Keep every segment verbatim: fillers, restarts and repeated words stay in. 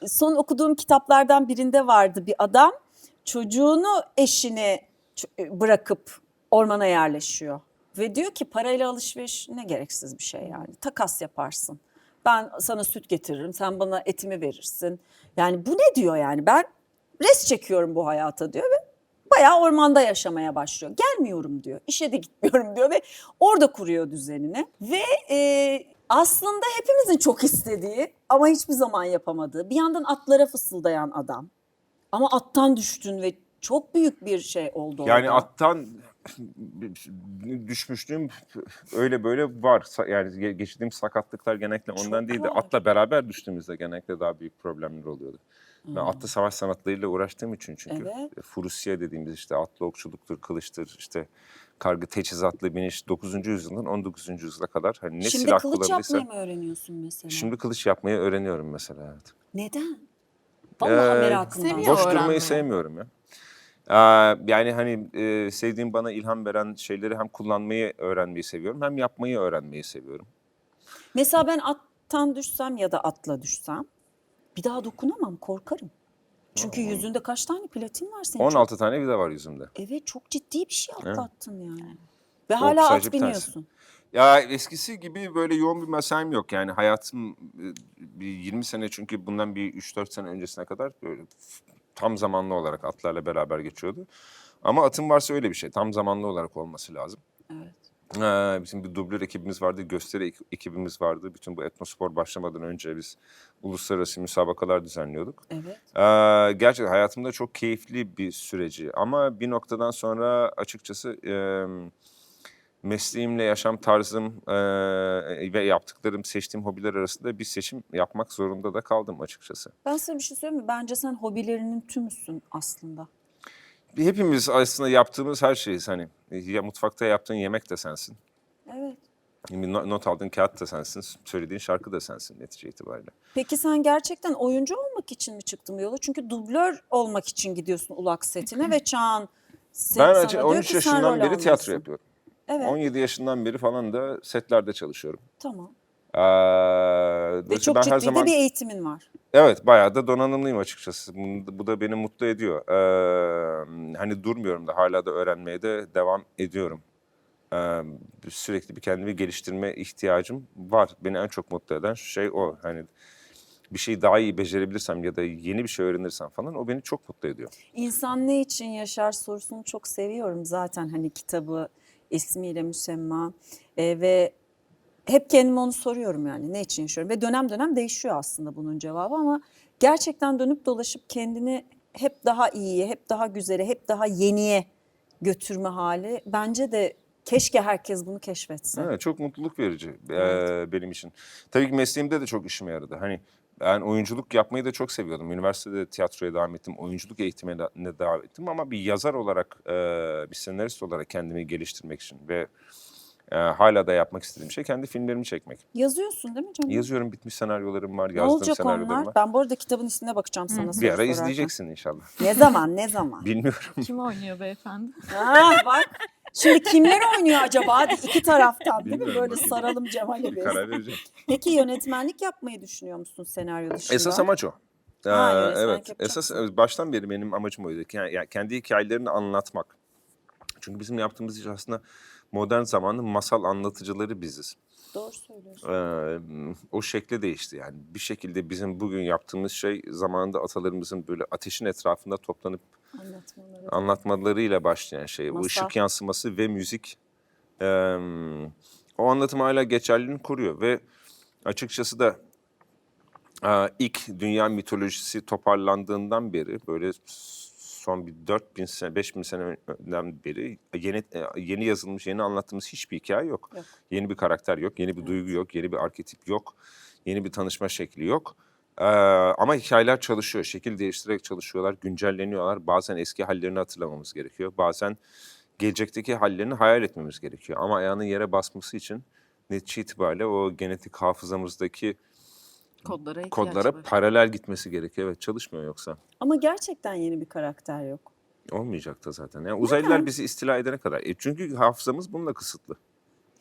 son okuduğum kitaplardan birinde vardı bir adam. Çocuğunu eşini bırakıp ormana yerleşiyor. Ve diyor ki parayla alışveriş ne gereksiz bir şey yani. Takas yaparsın. Ben sana süt getiririm, sen bana etimi verirsin. Yani bu ne diyor yani, ben res çekiyorum bu hayata diyor ve bayağı ormanda yaşamaya başlıyor. Gelmiyorum diyor, işe de gitmiyorum diyor ve orada kuruyor düzenini. Ve e, aslında hepimizin çok istediği ama hiçbir zaman yapamadığı, bir yandan atlara fısıldayan adam. Ama attan düştün ve çok büyük bir şey oldu orada. Yani attan düşmüşlüğüm öyle böyle var. Yani geçirdiğim sakatlıklar genellikle ondan Çok değil de var. atla beraber düştüğümüzde genellikle daha büyük problemler oluyordu. Hmm. Ben atlı savaş sanatlarıyla uğraştığım için çünkü Evet. Furusya dediğimiz işte atlı okçuluktur, kılıçtır, işte kargı teçhizatlı biniş dokuzuncu yüzyıldan on dokuzuncu yüzyıla kadar hani ne Şimdi silah kılıç kullanılırsa. yapmayı mı öğreniyorsun mesela? Şimdi kılıç yapmayı öğreniyorum mesela. Evet. Neden? Vallahi Ee, merakımdan. seviyor Boş öğrenmeyi. durmayı sevmiyorum ya. Ee, yani hani e, sevdiğim bana ilham veren şeyleri hem kullanmayı öğrenmeyi seviyorum hem yapmayı öğrenmeyi seviyorum. Mesela ben attan düşsem ya da atla düşsem bir daha dokunamam, korkarım. Çünkü yüzünde kaç tane platin var senin? on altı Çok, tane vida var yüzümde. evet, çok ciddi bir şey Evet. atlattın yani. Ve O hala sadece at bir tanesi. biniyorsun. Ya eskisi gibi böyle yoğun bir mesaim yok yani hayatım e, bir yirmi sene çünkü bundan bir üç dört sene öncesine kadar böyle tam zamanlı olarak atlarla beraber geçiyordu. Ama atın varsa öyle bir şey tam zamanlı olarak olması lazım. Evet. Ee, bizim bir dublör ekibimiz vardı, gösteri ek- ekibimiz vardı. Bütün bu etnospor başlamadan önce biz uluslararası müsabakalar düzenliyorduk. Evet. Ee, gerçekten hayatımda çok keyifli bir süreci ama bir noktadan sonra açıkçası e, mesleğimle yaşam tarzım e, ve yaptıklarım, seçtiğim hobiler arasında bir seçim yapmak zorunda da kaldım açıkçası. Ben sana bir şey söyleyeyim mi? Bence sen hobilerinin tümüsün aslında. Hepimiz aslında yaptığımız her şeyiz hani. Ya mutfakta yaptığın yemek de sensin. Evet. Bir no- not aldığın kağıt da sensin, söylediğin şarkı da sensin netice itibariyle. Peki sen gerçekten oyuncu olmak için mi çıktın bu yola? Çünkü dublör olmak için gidiyorsun ulak setine ve Çağan se- Ben sana açık- diyor on üç ki sen rol yaşından beri tiyatro almalısın. yapıyorum. Evet, on yedi yaşından beri falan da setlerde çalışıyorum. tamam. Ee, Ve dolayısıyla çok ben ciddi her zaman de bir eğitimin var. evet bayağı da donanımlıyım açıkçası. Bu, bu da beni mutlu ediyor. Ee, hani durmuyorum da hala da öğrenmeye de devam ediyorum. Ee, sürekli bir kendimi geliştirme ihtiyacım var. Beni en çok mutlu eden şey o. Hani bir şeyi daha iyi becerebilirsem ya da yeni bir şey öğrenirsem falan o beni çok mutlu ediyor. İnsan ne için yaşar sorusunu çok seviyorum zaten, hani kitabı ismiyle müsemma. Ee, ve hep kendime onu soruyorum yani, ne için yaşıyorum, ve dönem dönem değişiyor aslında bunun cevabı ama gerçekten dönüp dolaşıp kendini hep daha iyiye, hep daha güzele, hep daha yeniye götürme hali bence de keşke herkes bunu keşfetse. Evet, çok mutluluk verici e, Evet. benim için. Tabii ki mesleğimde de çok işime yaradı. Hani ben oyunculuk yapmayı da çok seviyordum. Üniversitede tiyatroya devam ettim, oyunculuk eğitimine devam ettim ama bir yazar olarak, e, bir senarist olarak kendimi geliştirmek için ve e, hala da yapmak istediğim şey kendi filmlerimi çekmek. Yazıyorsun değil mi canım? Yazıyorum, bitmiş senaryolarım var, Ne yazdığım olacak senaryolarım onlar? var. Ben bu arada kitabın ismine bakacağım sana soru Bir ara sorarken. izleyeceksin inşallah. Ne zaman, ne zaman? Bilmiyorum. Kim oynuyor beyefendi? Ha bak. Şimdi kimler oynuyor acaba? Hadi iki taraftan değil mi? Bilmiyorum, Böyle bakayım. saralım Cemal'e biz. Karar vereceğim. Peki yönetmenlik yapmayı düşünüyor musun senaryo dışında? Esas amaç o. Ee, Ha, yönetmenlik evet. yapacaksın. Esas evet, baştan beri benim amacım oydu. Yani, yani kendi hikayelerini anlatmak. Çünkü bizim yaptığımız iş aslında modern zamanın masal anlatıcıları biziz. Doğru söylüyorsun. Ee, o şekli değişti yani. Bir şekilde bizim bugün yaptığımız şey zamanında atalarımızın böyle ateşin etrafında toplanıp Anlatmaları. anlatmalarıyla başlayan şey. Bu Masal. ışık yansıması ve müzik ee, o anlatım hala geçerliliğini koruyor ve açıkçası da Ee, ilk dünya mitolojisi toparlandığından beri böyle son bir dört bin sene, beş bin seneden beri yeni yeni yazılmış, yeni anlattığımız hiçbir hikaye yok. Yok. Yeni bir karakter yok, yeni bir Evet. duygu yok, yeni bir arketip yok, yeni bir tanışma şekli yok. Ee, ama hikayeler çalışıyor, şekil değiştirerek çalışıyorlar, güncelleniyorlar. Bazen eski hallerini hatırlamamız gerekiyor, bazen gelecekteki hallerini hayal etmemiz gerekiyor. Ama ayağının yere basması için netice itibariyle o genetik hafızamızdaki Kodlara ihtiyaç kodlara var. paralel gitmesi gerekiyor. Evet, çalışmıyor yoksa. Ama gerçekten yeni bir karakter yok. Olmayacak da zaten. Yani uzaylılar bizi istila edene kadar. E çünkü hafızamız bununla kısıtlı.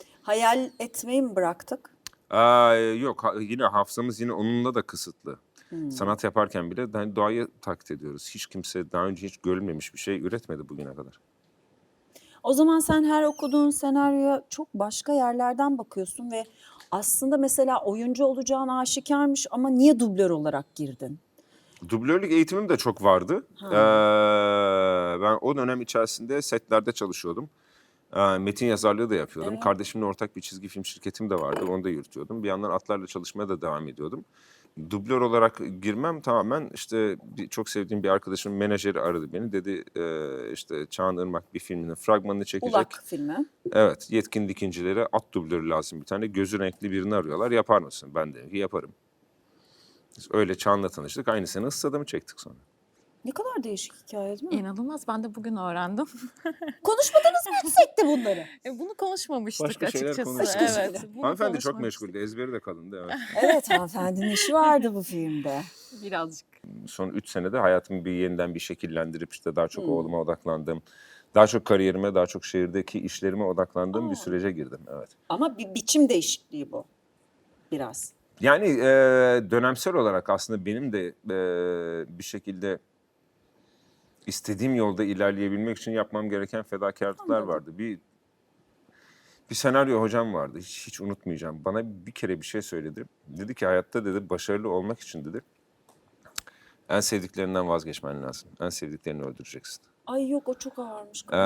Hayal etmeyi mi bıraktık? Aa, yok ha- yine hafızamız yine onunla da kısıtlı. Sanat yaparken bile hani doğayı taklit ediyoruz. Hiç kimse daha önce hiç görülmemiş bir şey üretmedi bugüne kadar. O zaman sen her okuduğun senaryoya çok başka yerlerden bakıyorsun ve aslında mesela oyuncu olacağın aşikarmış ama niye dublör olarak girdin? Dublörlük eğitimim de çok vardı. Ha. Ee, ben o dönem içerisinde setlerde çalışıyordum. Ee, metin yazarlığı da yapıyordum. Evet. Kardeşimle ortak bir çizgi film şirketim de vardı. Onu da yürütüyordum. Bir yandan atlarla çalışmaya da devam ediyordum. Dublör olarak girmem tamamen işte bir, çok sevdiğim bir arkadaşımın menajeri aradı beni. Dedi e, işte Çağan Irmak bir filminin fragmanını çekecek. Ulak filmi. Evet, yetkin dikincilere at dublörü lazım bir tane. Gözü renkli birini arıyorlar. Yapar mısın? Ben dedim ki yaparım. Biz öyle Çağan'la tanıştık. Aynı sene Issız Adam'ı çektik sonra. Ne kadar değişik hikaye değil mi? İnanılmaz. Ben de bugün öğrendim. Konuşmadınız mı hiç sette bunları? E, bunu konuşmamıştık Başka şeyler açıkçası. konuştuk. Başka Evet. şeyler. bunu Hanımefendi çok konuşmamıştık. meşguldü. Ezberi de kalındı. Evet. Evet, hanımefendinin işi vardı bu filmde. Birazcık. Son üç senede hayatımı bir yeniden bir şekillendirip işte daha çok Hmm. oğluma odaklandım. Daha çok kariyerime, daha çok şehirdeki işlerime odaklandığım Aa. bir sürece girdim. Evet. Ama bir biçim değişikliği bu. Biraz. Yani e, dönemsel olarak aslında benim de e, bir şekilde istediğim yolda ilerleyebilmek için yapmam gereken fedakarlıklar Anladım. vardı. Bir bir senaryo hocam vardı. Hiç, hiç unutmayacağım. Bana bir kere bir şey söyledi. Dedi ki hayatta dedi başarılı olmak için dedi en sevdiklerinden vazgeçmen lazım. En sevdiklerini öldüreceksin. Ay yok o çok ağırmış. Ee,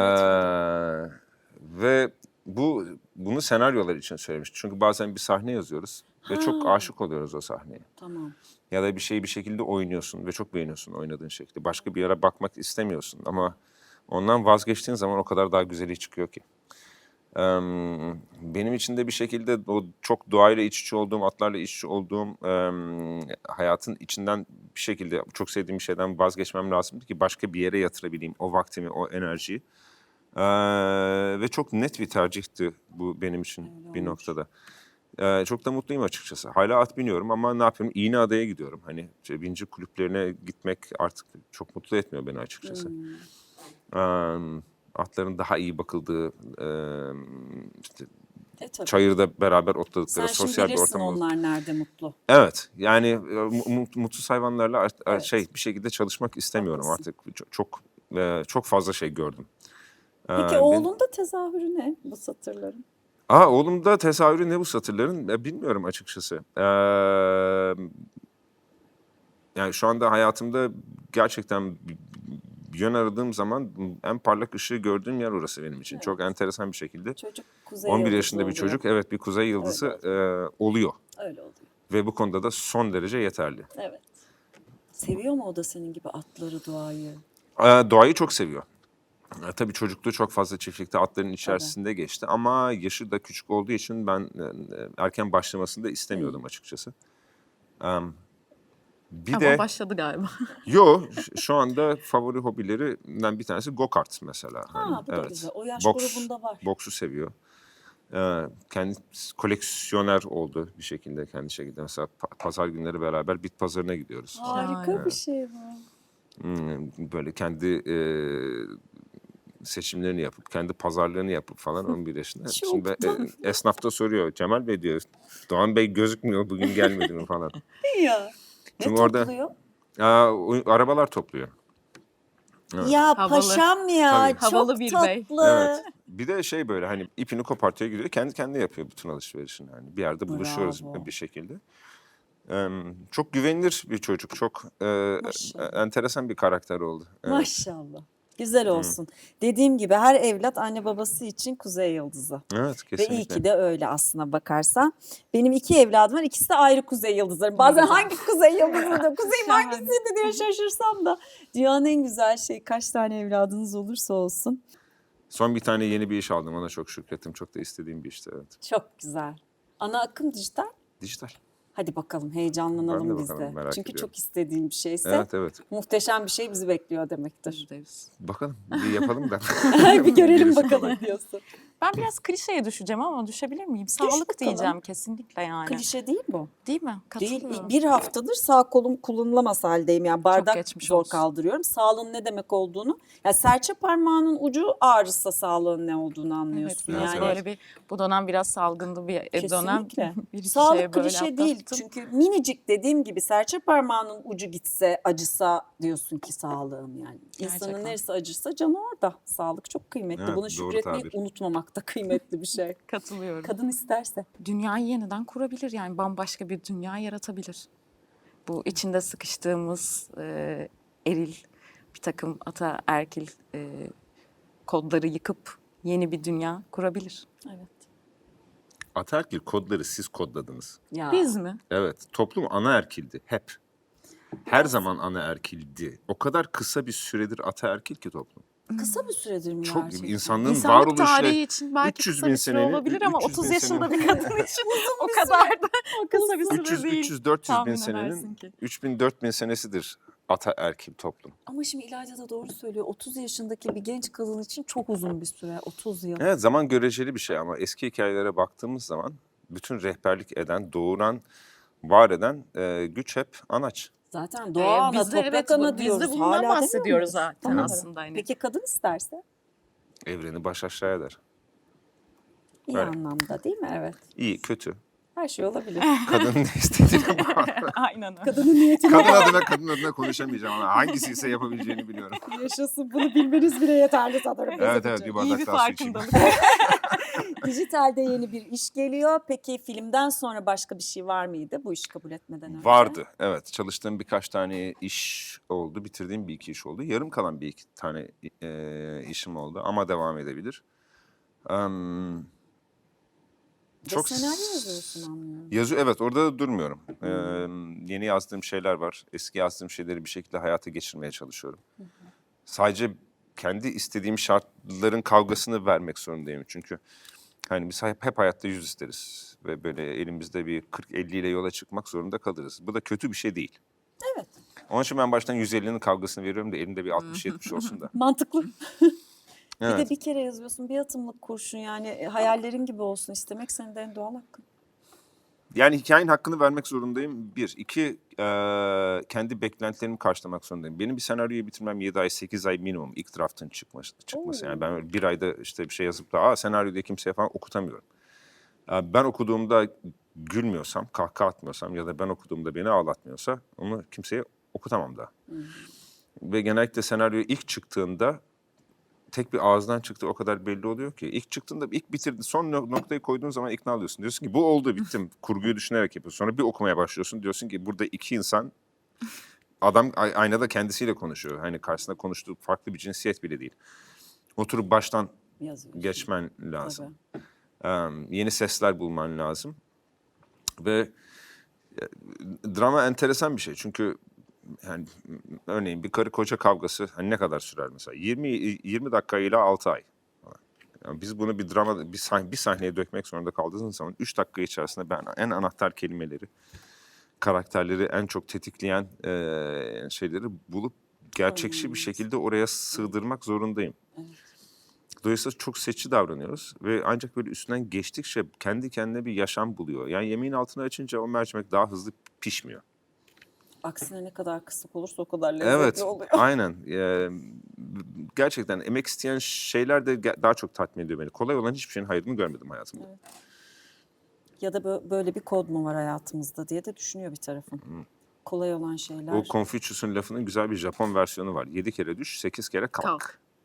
ve bu bunu senaryolar için söylemiş. Çünkü bazen bir sahne yazıyoruz ve çok Ha. aşık oluyoruz o sahneye. Tamam. Ya da bir şeyi bir şekilde oynuyorsun ve çok beğeniyorsun oynadığın şekli. Başka bir yere bakmak istemiyorsun ama ondan vazgeçtiğin zaman o kadar daha güzeli çıkıyor ki. Ee, benim için de bir şekilde o çok doğayla iç içe olduğum, atlarla iç içe olduğum e, hayatın içinden bir şekilde çok sevdiğim bir şeyden vazgeçmem lazımdı ki başka bir yere yatırabileyim o vaktimi, o enerjiyi. Ee, ve çok net bir tercihti bu benim için Öyle bir olmuş. noktada. Ee, çok da mutluyum açıkçası. Hala at biniyorum ama ne yapıyorum? İğneada'ya gidiyorum. Hani işte binci kulüplerine gitmek artık çok mutlu etmiyor beni açıkçası. Hmm. Ee, atların daha iyi bakıldığı, e, işte E tabii. çayırda beraber Sen otladıkları şimdi sosyal bir bilirsin ortam olur. onlar nerede mutlu. Evet, yani e, mu- mutsuz hayvanlarla art- Evet. şey bir şekilde çalışmak istemiyorum Haklısın. artık. Çok çok, e, çok fazla şey gördüm. Ee, Peki ben- oğlunda tezahürü ne bu satırların? Aa, oğlumda tezahürü ne bu satırların? E, bilmiyorum açıkçası. Ee, yani şu anda hayatımda gerçekten bir bir yön aradığım zaman en parlak ışığı gördüğüm yer orası benim için. Evet. Çok enteresan bir şekilde. Çocuk kuzey on bir yıldızı yaşında bir oluyor. çocuk, evet bir kuzey yıldızı Öyle e, oluyor. Öyle oluyor. Ve bu konuda da son derece yeterli. Evet. Seviyor mu o da senin gibi atları, doğayı? Ee, doğayı çok seviyor. E, tabii çocukluğu çok fazla çiftlikte atların içerisinde geçti ama yaşı da küçük olduğu için ben e, erken başlamasını da istemiyordum açıkçası. Em, bir Ama de başladı galiba. yo ş- şu anda favori hobilerinden bir tanesi go-kart mesela. Ha Hani, bu da evet. güzel. O yaş Boks, grubunda var. boksu seviyor. Ee, kendi koleksiyoner oldu bir şekilde kendi şekilde. Mesela pa- pazar günleri beraber bit pazarına gidiyoruz. Harika Şahane. bir şey bu. Hmm, böyle kendi e, seçimlerini yapıp, kendi pazarlarını yapıp falan on bir yaşında. Çok Şimdi e, tatlı. esnaf da soruyor, Cemal Bey diyor, Doğan Bey gözükmüyor, bugün gelmedi mi falan. Ya. Ne Çünkü orada- topluyor? Aa, o- arabalar topluyor. Evet. Ya Havalı. paşam ya. Tabii. Çok Havalı bir bey. tatlı. Evet. Bir de şey böyle hani ipini kopartıyor gidiyor, kendi kendine yapıyor bütün alışverişini. Yani bir yerde buluşuyoruz Bravo. bir şekilde. Ee, çok güvenilir bir çocuk, çok e, Maşallah. enteresan bir karakter oldu. Evet. Maşallah. Güzel olsun. Dediğim gibi her evlat anne babası için kuzey yıldızı. Evet, Ve kesinlikle. iyi ki de öyle aslına bakarsan. Benim iki evladım var. İkisi de ayrı kuzey yıldızları. Bazen güzel. hangi kuzey yıldızı kuzeyim Şahane. hangisiydi diye şaşırsam da. Dünyanın en güzel şey kaç tane evladınız olursa olsun. Son bir tane yeni bir iş aldım. Ona çok şükrettim. Çok da istediğim bir işti. Evet. Çok güzel. Ana akım dijital. Dijital. Hadi bakalım Ben de heyecanlanalım biz de. bakalım, merak Çünkü ediyorum. çok istediğim bir şeyse Evet evet. muhteşem bir şey bizi bekliyor demektir. Yüzde yüz. Bakalım bir yapalım da. bir görelim Gerisi bakalım kolay. diyorsun. Ben biraz klişeye düşeceğim ama düşebilir miyim? Sağlık bakalım. diyeceğim kesinlikle yani. Klişe değil bu. Değil mi? Değil. Katılıyorum. Bir haftadır sağ kolum kullanılamaz haldeyim. Yani bardak geçmiş zor olsun. kaldırıyorum. Sağlığın ne demek olduğunu. Ya serçe parmağının ucu ağrısa sağlığın ne olduğunu Evet, anlıyorsun. biraz yani böyle bir bu dönem biraz salgındı bir e, dönem. kesinlikle. Bir iki Sağlık şeye böyle klişe değil. atlattım. Çünkü minicik dediğim gibi serçe parmağının ucu gitse, acısa diyorsun ki sağlığım yani. İnsanın Gerçekten. neresi acırsa canı orada. Sağlık çok kıymetli. Evet, Buna doğru şükretmeyi tabir. unutmamak da kıymetli bir şey. Katılıyorum. Kadın isterse. Dünyayı yeniden kurabilir yani bambaşka bir dünya yaratabilir. Bu içinde sıkıştığımız e, eril bir takım ataerkil e, kodları yıkıp yeni bir dünya kurabilir. Evet. Ataerkil kodları siz kodladınız. Ya. Biz mi? Evet, toplum anaerkildi hep. Her zaman anaerkildi. O kadar kısa bir süredir ataerkil ki toplum. Kısa bir süredir mi Çok gerçekten? insanlığın İnsanlık varoluşu tarihi için belki üç yüz kısa bin bir süre senenin- olabilir ama üç yüz bin otuz yaşında senenin- bir kadın için o kadar da kısa bir süre üç yüz değil. üç yüz dört yüz bin tahmin edersin senenin ki. üç bin dört bin senesidir ataerkil toplum. Ama şimdi İlayda da doğru söylüyor. otuz yaşındaki bir genç kadın için çok uzun bir süre. otuz yıl. Evet, zaman göreceli bir şey ama eski hikayelere baktığımız zaman bütün rehberlik eden, doğuran, var eden e, güç hep anaç. Zaten Ee, doğa ana, biz de toprak evet, ana biz diyoruz. de bundan Hala demiyor bahsediyoruz muyuz? zaten Tamam. aslında. Hani. Peki kadın isterse? Evreni baş aşağı eder. İyi Öyle. anlamda değil mi? Evet. İyi, kötü. Her şey olabilir. Kadının ne istediğine bağlı. Aynen öyle. Kadının niyetine Kadın adına kadın adına konuşamayacağım ama hangisi ise yapabileceğini biliyorum. yaşasın. Bunu bilmeniz bile yeterli sanırım. Evet evet, bir İyi bardak bir daha su içeyim. farkındalık. Dijitalde yeni bir iş geliyor. Peki filmden sonra başka bir şey var mıydı bu işi kabul etmeden önce? Vardı, evet. Çalıştığım birkaç tane iş oldu. Bitirdiğim bir iki iş oldu. Yarım kalan bir iki tane e, işim oldu ama devam edebilir. Em, Ve çok senaryo s- yazıyorsun anlıyorum. Yazı evet, orada da durmuyorum. Ee, yeni yazdığım şeyler var. Eski yazdığım şeyleri bir şekilde hayata geçirmeye çalışıyorum. Sadece kendi istediğim şartların kavgasını vermek zorundayım. Çünkü hani biz hep, hep hayatta yüz isteriz. Ve böyle elimizde bir kırk elli ile yola çıkmak zorunda kalırız. Bu da kötü bir şey değil. Evet. Onun için ben baştan yüz ellinin kavgasını veriyorum da elimde bir altmış yetmiş olsun da. Mantıklı. Bir Evet. de bir kere yazıyorsun. Bir atımlık kurşun yani. E, hayallerin gibi olsun istemek senin de en doğal hakkın. Yani hikayenin hakkını vermek zorundayım. Bir. iki eee, kendi beklentilerimi karşılamak zorundayım. Benim bir senaryoyu bitirmem yedi ay, sekiz ay minimum. İlk draftın çıkması. çıkması. Yani ben öyle bir ayda işte bir şey yazıp da Aa, senaryoda kimseye falan okutamıyorum. Eee, Ben okuduğumda gülmüyorsam, kahkaha atmıyorsam ya da ben okuduğumda beni ağlatmıyorsa onu kimseye okutamam da. Ve genellikle senaryo ilk çıktığında tek bir ağızdan çıktı o kadar belli oluyor ki. İlk çıktığında ilk bitirdi son no- noktayı koyduğun zaman ikna oluyorsun. Diyorsun ki bu oldu bittim. Kurguyu düşünerek yapıyorsun. Sonra bir okumaya başlıyorsun. Diyorsun ki burada iki insan adam ay- aynada kendisiyle konuşuyor. Hani karşısında konuştuğu farklı bir cinsiyet bile değil. Oturup baştan Yazıyorsun. geçmen lazım. Tabii. Em, yeni sesler bulman lazım. Ve e, drama enteresan bir şey. Çünkü yani m- örneğin bir karı koca kavgası hani ne kadar sürer mesela? yirmi yirmi dakika ile altı ay. Yani biz bunu bir drama bir, sah- bir sahneye dökmek zorunda kaldığımız zaman üç dakika içerisinde ben en anahtar kelimeleri, karakterleri en çok tetikleyen eee, şeyleri bulup gerçekçi bir şekilde oraya sığdırmak zorundayım. Dolayısıyla çok seçici davranıyoruz ve ancak böyle üstünden geçtikçe kendi kendine bir yaşam buluyor. Yani yemeğin altını açınca o mercimek daha hızlı pişmiyor. Aksine ne kadar kısık olursa o kadar lezzetli Evet, oluyor. aynen. Ee, gerçekten emek isteyen şeyler de ge- daha çok tatmin ediyor beni. Kolay olan hiçbir şeyin hayrını görmedim hayatımda. Ya da bö- böyle bir kod mu var hayatımızda diye de düşünüyor bir tarafın. Kolay olan şeyler. O Confucius'un lafının güzel bir Japon versiyonu var. Yedi kere düş, sekiz kere kalk. Kalk.